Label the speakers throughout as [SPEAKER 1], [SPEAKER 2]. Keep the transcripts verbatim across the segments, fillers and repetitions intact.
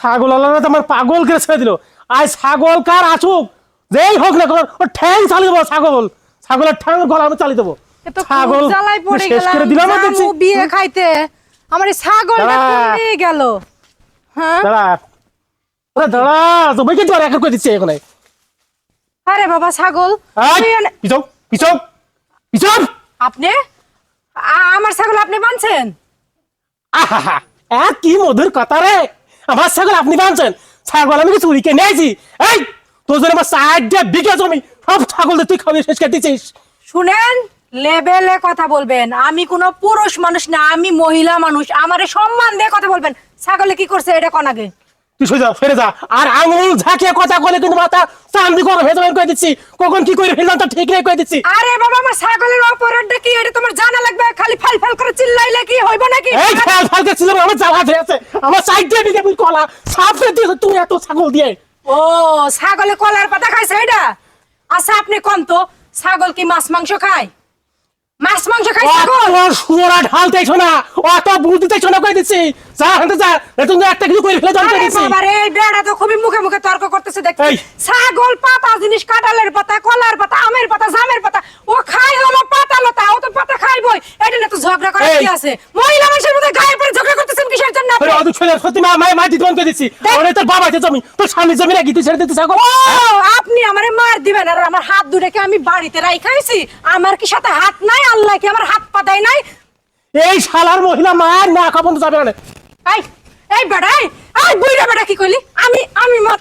[SPEAKER 1] ছাগল আলাদা আমার পাগল করে ছেড়ে দিল। আজ ছাগল কার আসুক যেই হোক না কোন ও ঠ্যাং চালিয়ে দেবো। ছাগল ছাগলের ঠ্যাং গলা আমি চালিয়ে দেবো। ছাগল শেষ করে দিলাম। দেখছি
[SPEAKER 2] বিয়ে খাইতে আমার এই ছাগলটা কোথায় গেল? হ্যাঁ
[SPEAKER 1] দাঁড়া ওরে দাঁড়া তো বইকে তো আর এক করে দিচ্ছে এখন।
[SPEAKER 2] আরে বাবা ছাগল
[SPEAKER 1] পিছক পিছক পিছক।
[SPEAKER 2] আপনি আমার ছাগল আপনি বানছেন?
[SPEAKER 1] আহা এক কি মধুর কথা রে। আমার ছাগল আপনি বানছেন? ছাগল আমি চুরি কে নিয়েছি। এই তোর জন্য আমার সাইড দিয়ে বিঘা জমি সব ছাগল তুই খাবি শেষ করে দিচ্ছিস।
[SPEAKER 2] শুনেন লেভেলে কথা বলবেন। আমি কোনো পুরুষ মানুষ না, আমি মহিলা মানুষ। আমারে সম্মান দিয়ে কথা বলবেন। ছাগলে কি করছে এটা কোন আগে?
[SPEAKER 1] তুই সোজা ফিরে যা। আর আঙুল ঝাঁকিয়ে কথা বলে কিন্তু মাথা চান্দি করে ভেজা করে দিচ্ছি। কখন কি করে ফেললাম তা ঠিক নেই করে দিচ্ছি।
[SPEAKER 2] আরে বাবা আমার ছাগলের অপরাধটা কি এটা তোমার জানা লাগবে। খালি ফাল ফাল করে চিল্লাইলে কি হইব নাকি?
[SPEAKER 1] এই ফাল ফাল করে চিল্লাবো আমার জ্বালা ধরে আছে। আমার সাইড দিয়ে দিকে তুই কলা সাফ করে দিয়েছ তুই এত ছাগল দিয়ে।
[SPEAKER 2] ও ছাগলে কলার পাতা খাইছে এটা? আচ্ছা আপনি কোন তো ছাগল কি মাছ মাংস খায়? মাছ মাংস খায় ছাগল?
[SPEAKER 1] ওর সুরা ঢালতেছ না অত বুঝতেছ না কই দিচ্ছি। যা হাঁটে যা তুমি একটা কিছু করে ফেলে জানতে দিচ্ছি।
[SPEAKER 2] বাবা রে বেড়া তো খুবই মুখে মুখে তর্ক করতেছে দেখছি। ছাগল পাতা জিনিস কাঁঠালের পাতা কলার পাতা আমের পাতা জামের পাতা ও খায় হলো পাতা লতা। ও তো পাতা খাইবই। এটা না তো ঝগড়া করার কি আছে? মহিলা মানুষের মধ্যে গায়ে পড়ে ঝগড়া করতেছেন কিসের জন্য আপনি?
[SPEAKER 1] আরে ছেলে সত্যি মা মা মা দিতে করে দিচ্ছি। আরে তোর বাবা জমি তোর স্বামী জমি নাকি তুই ছেড়ে দিতে ছাগল?
[SPEAKER 2] ও আপনি আমারে মার দিবেন আর আমার হাত দুটোকে আমি বাড়িতে রাইখাইছি। আমার কি সাথে হাত নাই? আল্লাহ কি আমার হাত পা দেয় নাই?
[SPEAKER 1] এই শালার মহিলা মার না খাবন্ধ যাবে না।
[SPEAKER 2] এই এই বেড়াই এই বুইড়া বেড়া কি কইলি? আমি আমি মত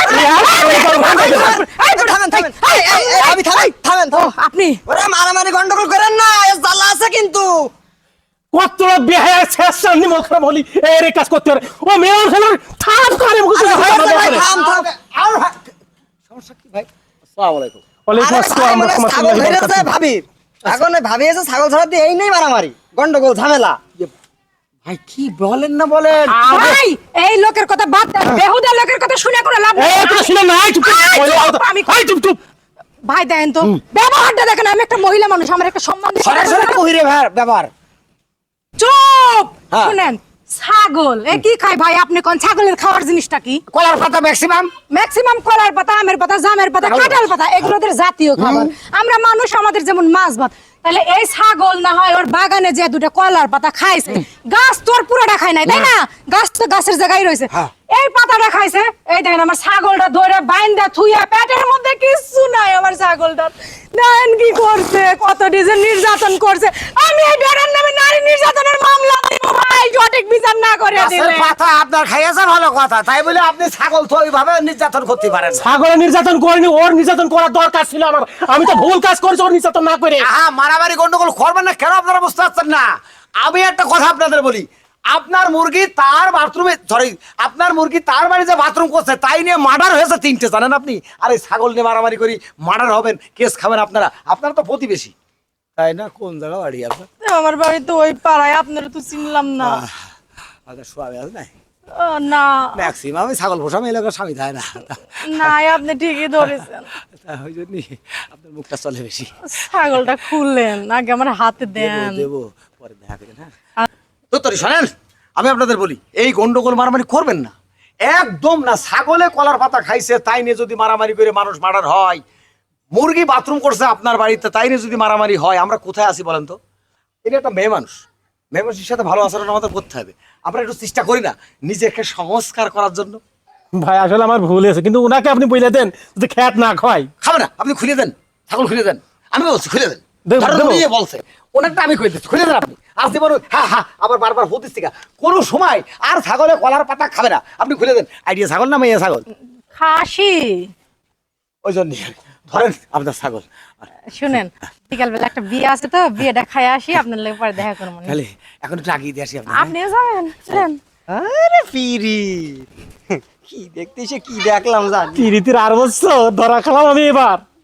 [SPEAKER 3] থামেন থামেন আমি থামেন থামেন
[SPEAKER 2] আপনি
[SPEAKER 3] ওরে মারামারি গন্ডগোল করেন না। এর জ্বালা আছে কিন্তু।
[SPEAKER 1] কত বেহায়া শেষ নিমল খারাপ হলি এই কাজ করতে পারে ও মেয়ে ছেলে থাম করে মুখ
[SPEAKER 3] থাম থাম আর সমস্যা কি ভাই?
[SPEAKER 4] আসসালামু আলাইকুম।
[SPEAKER 1] ওয়ালাইকুম আসসালাম ওয়া
[SPEAKER 3] ছাগল ধরেছে ভাবি। এখন ভাবি এসে ছাগল ধরা দিয়ে এই নেই মারামারি গন্ডগোল ঝামেলা।
[SPEAKER 4] ভাই কি বলেন না বলেন?
[SPEAKER 2] ভাই এই লোকের কথা বাদ দেন। বেহুদা লোকের কথা শুনে করে লাভ নেই।
[SPEAKER 1] এই তুই শুনে না চুপ
[SPEAKER 2] আমি
[SPEAKER 1] এই চুপ চুপ।
[SPEAKER 2] ভাই দেন তো ব্যবহারটা দেখেন। আমি একটা মহিলা মানুষ আমার একটা সম্মান দিতে হবে।
[SPEAKER 4] সরাসরি কহিরে ভাই ব্যাপার।
[SPEAKER 2] চুপ
[SPEAKER 4] হ্যাঁ।
[SPEAKER 2] শুনেন ছাগল এ কি খায় ভাই? আপনি কোন ছাগলের খাওয়ার জিনিসটা কি?
[SPEAKER 4] কলার পাতা ম্যাক্সিমাম
[SPEAKER 2] ম্যাক্সিমাম কলার পাতা আমের পাতা জামের পাতা কাঁঠাল পাতা এগুলোদের জাতীয় খাবার। আমরা মানুষ আমাদের যেমন মাছ ভাত। তাহলে এই ছাগল না হয় ওর বাগানে যে দুটো কলার পাতা খাইছে গাছ তোর পুরোটা খায় নাই তাই না? গাছ তো গাছের জায়গায় রয়েছে। এই পাতাটা খাইছে। এই দেখেন আমার ছাগলটা ধরে বাইন্দা থুইয়া পেটের মধ্যে কিছু নাই আমার ছাগলটার। দেখেন কি করছে, কত ডিজে নির্যাতন করছে। আমি এই বেড়ার নামে নারী নির্যাতনের মামলা দিব ভাই সঠিক বিচার না করে দিলে।
[SPEAKER 4] পাতা আপনার খাইয়াছে ভালো কথা, তাই বলে আপনি ছাগল তো ওইভাবে নির্যাতন করতে পারেন না।
[SPEAKER 1] ছাগলের নির্যাতন করিনি, ওর নির্যাতন করার দরকার ছিল আমার। আমি তো ভুল কাজ করেছি ওর নির্যাতন না করে।
[SPEAKER 4] হ্যাঁ মারামারি গন্ডগোল করবেন না কেন আপনারা বুঝতে পারছেন না? আমি একটা কথা আপনাদের বলি, আপনার মুরগি তার বাথরুমে সরি আপনার মুরগি তার বাড়ি যে বাথরুম করছে তাই নিয়ে মার্ডার হয়েছে তিনটে, জানেন আপনি? আর এই ছাগল নিয়ে মারামারি করি মার্ডার হবেন, কেস খাবেন আপনারা। আপনারা তো প্রতিবেশী তাই না? কোন জায়গা বাড়ি আপনার?
[SPEAKER 2] আমার বাড়ি তো ওই পাড়ায়। আপনারা তো চিনলাম না।
[SPEAKER 4] আপনার স্বামী আছে নাই?
[SPEAKER 2] না
[SPEAKER 4] ম্যাক্সিমাম আমি ছাগল পোষা এলাকার স্বামী থাকে না।
[SPEAKER 2] না আপনি ঠিকই ধরেছেন।
[SPEAKER 4] ওই জন্যই আপনার মুখটা চলে বেশি।
[SPEAKER 2] ছাগলটা খুললেন আগে আমার হাতে দেন।
[SPEAKER 4] দেবো পরে দেখা করেন। হ্যাঁ তো তোর শোনেন, আমি আপনাদের বলি এই গন্ডগোল মারামারি করবেন না একদম না। ছাগলে কলার পাতা খাইছে তাই নিয়ে যদি মারামারি করে মানুষ মার্ডার হয়, মুরগি বাথরুম করছে আপনার বাড়িতে তাই নিয়ে যদি মারামারি হয়, আমরা কোথায় আছি বলেন তো? এটা একটা মেয়ে মানুষ, মেয়ে মানুষের সাথে ভালো আচরণ আমাদের করতে হবে। আমরা একটু চেষ্টা করি না নিজেকে সংস্কার করার জন্য?
[SPEAKER 1] ভাই আসলে আমার ভুল হয়েছে, কিন্তু উনাকে আপনি বলে দেন যে খ্যাত না খায়।
[SPEAKER 4] খাবে না আপনি খুলে দেন, ছাগল খুলে দেন। আমি বলছি খুলে দেন।
[SPEAKER 1] দেব, দেব।
[SPEAKER 4] উনি বলছে ওনারটা আমি খুলে দিচ্ছি, খুলে দেন আপনি। আসতে পারো হ্যাঁ হ্যাঁ আবার বারবার হতিস থেকে কোনো সময় আর ছাগলে কলার পাতা খাবে না, আপনি খুলে দেন। আইডিয়া ছাগল না মেয়ে ছাগল?
[SPEAKER 2] খাসি।
[SPEAKER 4] ওই জন্য ধরেন আপনার ছাগল।
[SPEAKER 2] শুনেন বিকাল বেলা একটা বিয়ে আছে তো বিয়েটা খাই আসি, আপনার লাগে পরে দেখা করবো।
[SPEAKER 4] তাহলে এখন একটু আগিয়ে দিয়ে আসি আপনি।
[SPEAKER 2] আপনিও যাবেন চলেন।
[SPEAKER 3] আরে পিরি কি দেখতে এসে কি দেখলাম জানি।
[SPEAKER 1] পিরিতির আর বছর ধরা খেলাম আমি এবার।